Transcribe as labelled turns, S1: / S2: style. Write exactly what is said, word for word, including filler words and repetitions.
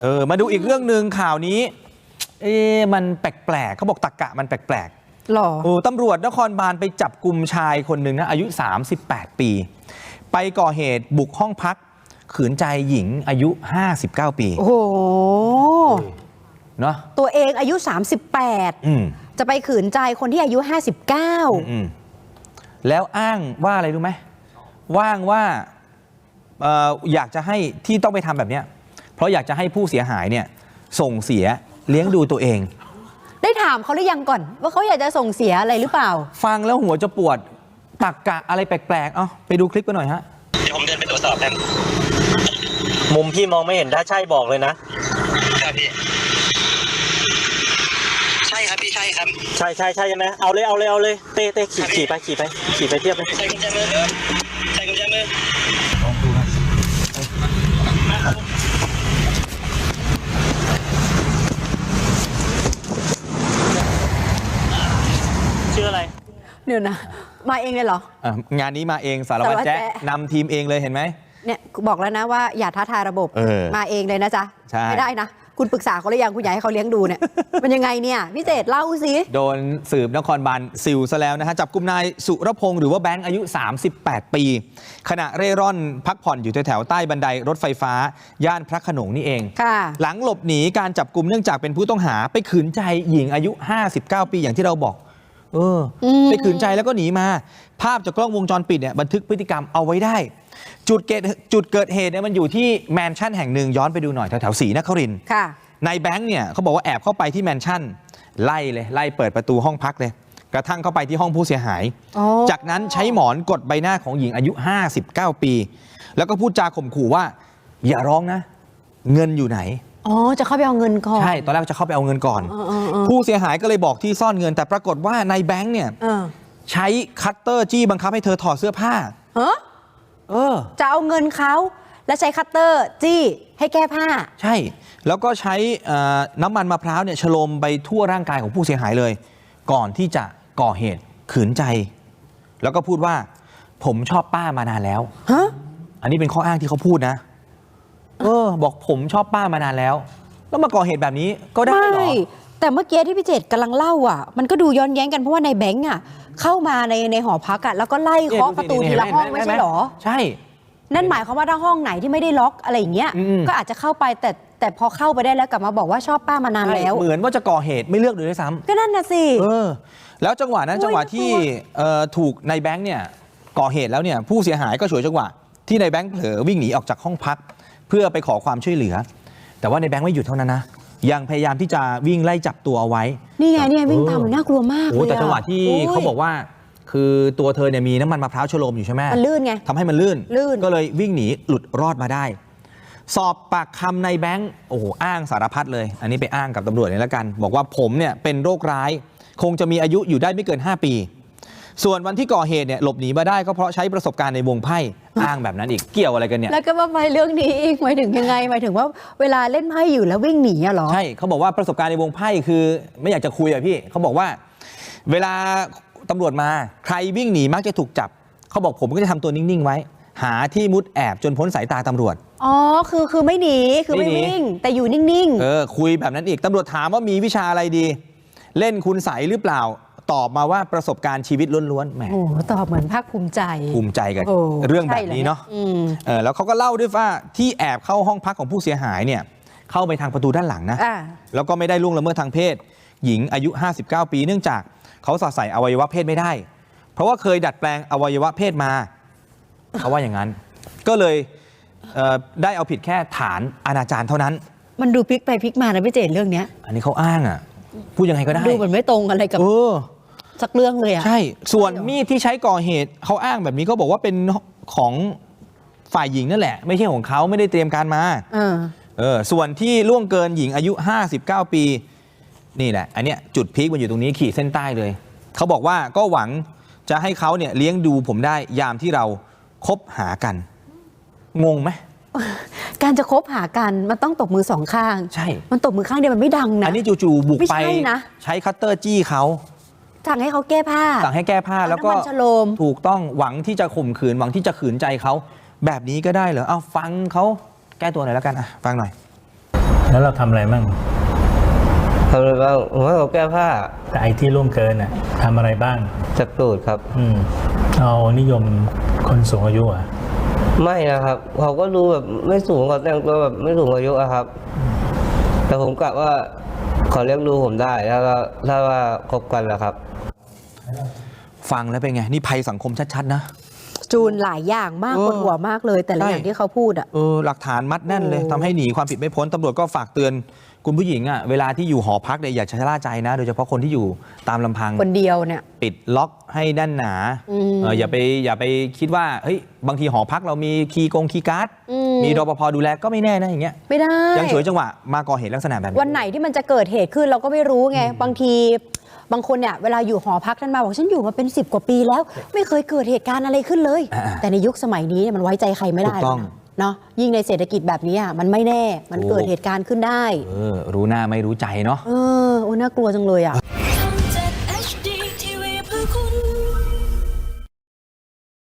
S1: เออมาดูอีกเรื่องหนึ่งข่าวนี้เอ๊ะมันแปลกๆเขาบอกตรรกะมันแปลกๆหรอโอ้ตำรวจนครบาลไปจับกุมชายคนหนึ่งนะอายุสามสิบแปดปีไปก่อเหตุบุกห้องพักขืนใจหญิงอายุห้าสิบเก้าปีโอ้โหเนาะตัวเองอายุสามสิบแปดอืมจะไปขืนใจคนที่อายุห้าสิบเก้าอืมแล้วอ้างว่าอะไรรู้ไหมว่างว่าเอ่ออยากจะให้ที่ต้องไปทำแบบเนี้ยเพราะอยากจะให้ผู้เสียหายเนี่ยส่งเสียเลี้ยงดูตัวเองได้ถามเขาหรือยังก่อนว่าเขาอยากจะส่งเสียอะไรหรือเปล่าฟังแล้วหัวจะปวดตรรกะอะไรแปลกๆเอ้าไปดูคลิปกันหน่อยฮะ
S2: เดี๋ยวผมเดินไปตรวจสอบกันมุมพี่มองไม่เห็นถ้าใช่บอกเลยนะครับพี่ใช่ครับพี่ใช่ครับใช่ใช่ใช่ใช่ไหมเอาเลยเอาเลยเอาเลยเต้เต้ขี่ขี่ไปขี่ไปขี่ไปเทียบไปใส่กุญแจมือใส่กุญแจมือลองดูนะชื่ออะไร
S3: เดี๋ยวนะมาเองเลยเหรอ
S1: อ่ะงานนี้มาเองสารวัตรแจ๊ะนำทีมเองเลยเห็นไหม
S3: เนี่ยบอกแล้วนะว่าอย่าท้าทายระบบมาเองเลยนะจ๊ะไม่ได้นะคุณปรึกษาเขาหรือยังคุณอยากให้เขาเลี้ยงดูเนี่ยมันยังไงเนี่ยพี่เจตเล่าสิ
S1: โดนสืบนครบาลซิลซะแล้วนะฮะจับกุมนายสุรพงศ์หรือว่าแบงค์อายุสามสิบแปดปีขณะเร่ร่อนพักผ่อนอยู่แถวใต้บันไดรถไฟฟ้าย่านพระโขนงนี่เองหลังหลบหนีการจับกุมเนื่องจากเป็นผู้ต้องหาไปขืนใจหญิงอายุห้าสิบเก้าปีอย่างที่เราบอกเออไปขืนใจแล้วก็หนีมาภาพจากกล้องวงจรปิดเนี่ยบันทึกพฤติกรรมเอาไว้ได้จุดเกิดจุดเกิดเหตุเนี่ยมันอยู่ที่แมนชั่นแห่งหนึ่งย้อนไปดูหน่อยแถวแถวศรีนครินทร์นายแบงค์เนี่ยเขาบอกว่าแอบเข้าไปที่แมนชั่นไล่เลยไล่เปิดประตูห้องพักเลยกระทั่งเข้าไปที่ห้องผู้เสียหายจากนั้นใช้หมอนกดใบหน้าของหญิงอายุห้าสิบเก้าปีแล้วก็พูดจาข่มขู่ว่าอย่าร้องนะเงินอยู่ไหน
S3: อ๋อจะเข้าไปเอาเงินก่อน
S1: ใช่ตอนแรกจะเข้าไปเอาเงินก่อนผู้เสียหายก็เลยบอกที่ซ่อนเงินแต่ปรากฏว่านายแบงค์เนี่ยใช้คัตเตอร์จี้บังคับให้เธอถอดเสื้อผ้าเออ
S3: เออจะเอาเงินเขาและใช้คัตเตอร์จี้ให้แก้ผ้า
S1: ใช่แล้วก็ใช้น้ำมันมะพร้าวเนี่ยฉโลมไปทั่วร่างกายของผู้เสียหายเลยก่อนที่จะก่อเหตุขืนใจแล้วก็พูดว่าผมชอบป้ามานานแล้วฮะอันนี้เป็นข้ออ้างที่เขาพูดนะเออบอกผมชอบป้ามานานแล้วแล้วมาก่อเหตุแบบนี้ก็ได้เหรอ
S3: แต่เมื่อกี้ที่พี่เจตกำลังเล่าอ่ะมันก็ดูย้อนแย้งกันเพราะว่าในแบงค์อ่ะเข้ามาในในหอพักอ่ะแล้วก็ไล่เคาะประตูทีละห้องไม่ใช่หรอ
S1: ใช่
S3: นั่นหมายความว่าถ้าห้องไหนที่ไม่ได้ล็อกอะไรอย่างเงี้ยก็อาจจะเข้าไปแต่แต่พอเข้าไปได้แล้วกลับมาบอกว่าชอบป้ามานานแล้ว
S1: เหมือนว่าจะก่อเหตุไม่เลือกเลยด้วยซ้ำ
S3: ก็นั่นน่ะสิ
S1: เออแล้วจังหวะนั้นจังหวะที่ถูกนายแบงค์เนี่ยก่อเหตุแล้วเนี่ยผู้เสียหายก็ฉวยจังหวะที่นายแบงค์เผลอวิ่งหนีออกจากห้องพักเพื่อไปขอความช่วยเหลือแต่ว่าในแบงค์ไม่หยุดเท่านั้นนะยังพยายามที่จะวิ่งไล่จับตัวเอาไว้
S3: นี่ไงนี่ไงวิ่งตามมันน่ากลัวมากเลย
S1: แต่จังหวะที่เขาบอกว่าคือตัวเธอเนี่ยมีน้ำมันมะพร้าวฉโลมอยู่ใช่ไหม
S3: มันลื่นไง
S1: ทำให้มันลื่นก็เลยวิ่งหนีหลุดรอดมาได้สอบปากคำในแบงค์โอ้โหอ้างสารพัดเลยอันนี้ไปอ้างกับตำรวจนี่แล้วกันบอกว่าผมเนี่ยเป็นโรคร้ายคงจะมีอายุอยู่ได้ไม่เกินห้าปีส่วนวันที่ก่อเหตุเนี่ยหลบหนีมาได้ก็เพราะใช้ประสบการณ์ในวงไพ่อ้างแบบนั้นอีกเกี่ยวอะไรกันเนี่ย
S3: แล้วก็มาไปเรื่องนี้อีกหมายถึงยังไงหมายถึงว่าเวลาเล่นไพ่อยู่แล้ววิ่งหนีอะหรอ
S1: ใช่เขาบอกว่าประสบการณ์ในวงไพ่คือไม่อยากจะคุยอะพี่เขาบอกว่าเวลาตำรวจมาใครวิ่งหนีมักจะถูกจับเขาบอกผมก็จะทำตัวนิ่งๆไว้หาที่มุดแอบจนพ้นสายตาตำรวจ
S3: อ๋อคือคือไม่หนีคือไม่วิ่งแต่อยู่นิ่ง
S1: ๆเออคุยแบบนั้นอีกตำรวจถามว่ามีวิชาอะไรดีเล่นคุณใสหรือเปล่าตอบมาว่าประสบการณ์ชีวิตล้วนๆแหม
S3: โอ้ตอบเหมือนภาคภูมิใจ
S1: ภูมิใจกันเรื่องแบบนี้เนาะเออแล้วเขาก็เล่าด้วยว่าที่แอบเข้าห้องพักของผู้เสียหายเนี่ยเข้าไปทางประตูด้านหลังนะแล้วก็ไม่ได้ล่วงละเมิดทางเพศหญิงอายุห้าสิบเก้าปีเนื่องจากเขาสอดใส่อวัยวะเพศไม่ได้เพราะว่าเคยดัดแปลงอวัยวะเพศมาเขาว่าอย่างนั้นก็เลยเอ่อได้เอาผิดแค่ฐานอนาจารเท่านั้น
S3: มันดูพลิกไปพลิกมานะพี่เจตเรื่องนี้
S1: อันนี้เขาอ้างอ่ะพูดยังไงก็ได้
S3: ดูเหมือนไม่ตรงอะไรกับสักเรื่องเลยอ่ะ
S1: ใช่ส่วนมีดที่ใช้ก่อเหตุเขาอ้างแบบนี้เขาบอกว่าเป็นของฝ่ายหญิงนั่นแหละไม่ใช่ของเขาไม่ได้เตรียมการมาเออส่วนที่ล่วงเกินหญิงอายุห้าสิบเก้าปีนี่แหละอันเนี้ยจุดพีคมันอยู่ตรงนี้ขีดเส้นใต้เลยเขาบอกว่าก็หวังจะให้เขาเนี่ยเลี้ยงดูผมได้ยามที่เราคบหากันงงไหม
S3: การจะคบหากันมันต้องตบมือสองข้าง
S1: ใช่
S3: มันตบมือข้างเดียวมันไม่ดังนะ
S1: อันนี้จู่ๆบุกไปนะใช้คัตเตอร์จี้เขา
S3: สั่งให้เขาแก้ผ้า
S1: สั่งให้แก้ผ้าแล้วก็ถูกต้องหวังที่จะข่มขืนหวังที่จะขืนใจเขาแบบนี้ก็ได้เหรอเอาฟังเขาแก้ตัวหน่อยแล้วกันอ่ะฟังหน่อย
S4: แล้วเราทำอะไรมั่ง
S5: ทำอะไรบ้างผมว่าเขาแก้ผ้า
S4: แต่ไอ้ที่ล่วงเกินน่ะทำอะไรบ้าง
S5: จับตูดครับ
S4: อืมเอานิยมคนสูงอายุอ่ะ
S5: ไม่นะครับเขาก็ดูแบบไม่สูงเขาแต่งตัวแบบไม่สูงอายุอะครับ แต่ผมกะว่าเขาเลี้ยงดูผมได้ถ้าว่าถ้าว่าคบกันแล้วครับ
S1: ฟังแล้วเป็นไง นี่ภัยสังคมชัดๆนะ
S3: จูนหลายอย่างมาก
S1: เออ
S3: ปวดหัวมากเลย แต่ละ
S1: ใช่
S3: อย่างที่เขาพูดอ่ะ
S1: เออหลักฐานมัดแน่นเลย
S3: โอ้
S1: ทำให้หนีความผิดไม่พ้นตำรวจก็ฝากเตือนคุณผู้หญิงอ่ะเวลาที่อยู่หอพักเนี่ยอย่าชะล่าใจนะ โดยเฉพาะคนที่อยู่ตามลำพัง
S3: คนเดียวเนี่ย
S1: ปิดล็อกให้แน่นหนา
S3: อืม
S1: เอออย่าไปอย่าไปคิดว่าเฮ้ยบางทีหอพักเรามีคีย์กงคีย์การ์ด
S3: อืม
S1: มีรปภดูแลก็ไม่แน่นะอย่างเงี้ย
S3: ไม่ได้
S1: ยังฉวยจังหวะมาก่อเหตุลักษณะแบบนี้
S3: วันไหนที่มันจะเกิดเหตุขึ้นเราก็ไม่รู้ไง บางทีบางคนเนี่ยเวลาอยู่หอพักท่านมาบอกฉันอยู่มาเป็นสิบกว่าปีแล้ว ไม่เคยเกิดเหตุการณ์อะไรขึ้นเลย
S1: อ่า
S3: แต่ในยุคสมัยนี้เนี่ยมันไว้ใจใครไม่ได้
S1: ถูกต้อง
S3: หรอกนะเนาะยิ่งในเศรษฐกิจแบบนี้อ่ะมันไม่แน่มัน
S1: ถูก
S3: เกิดเหตุการณ์ขึ้นได้
S1: เออรู้หน้าไม่รู้ใจเนาะ
S3: เออโอ้น่ากลัวจังเลยอ่ะ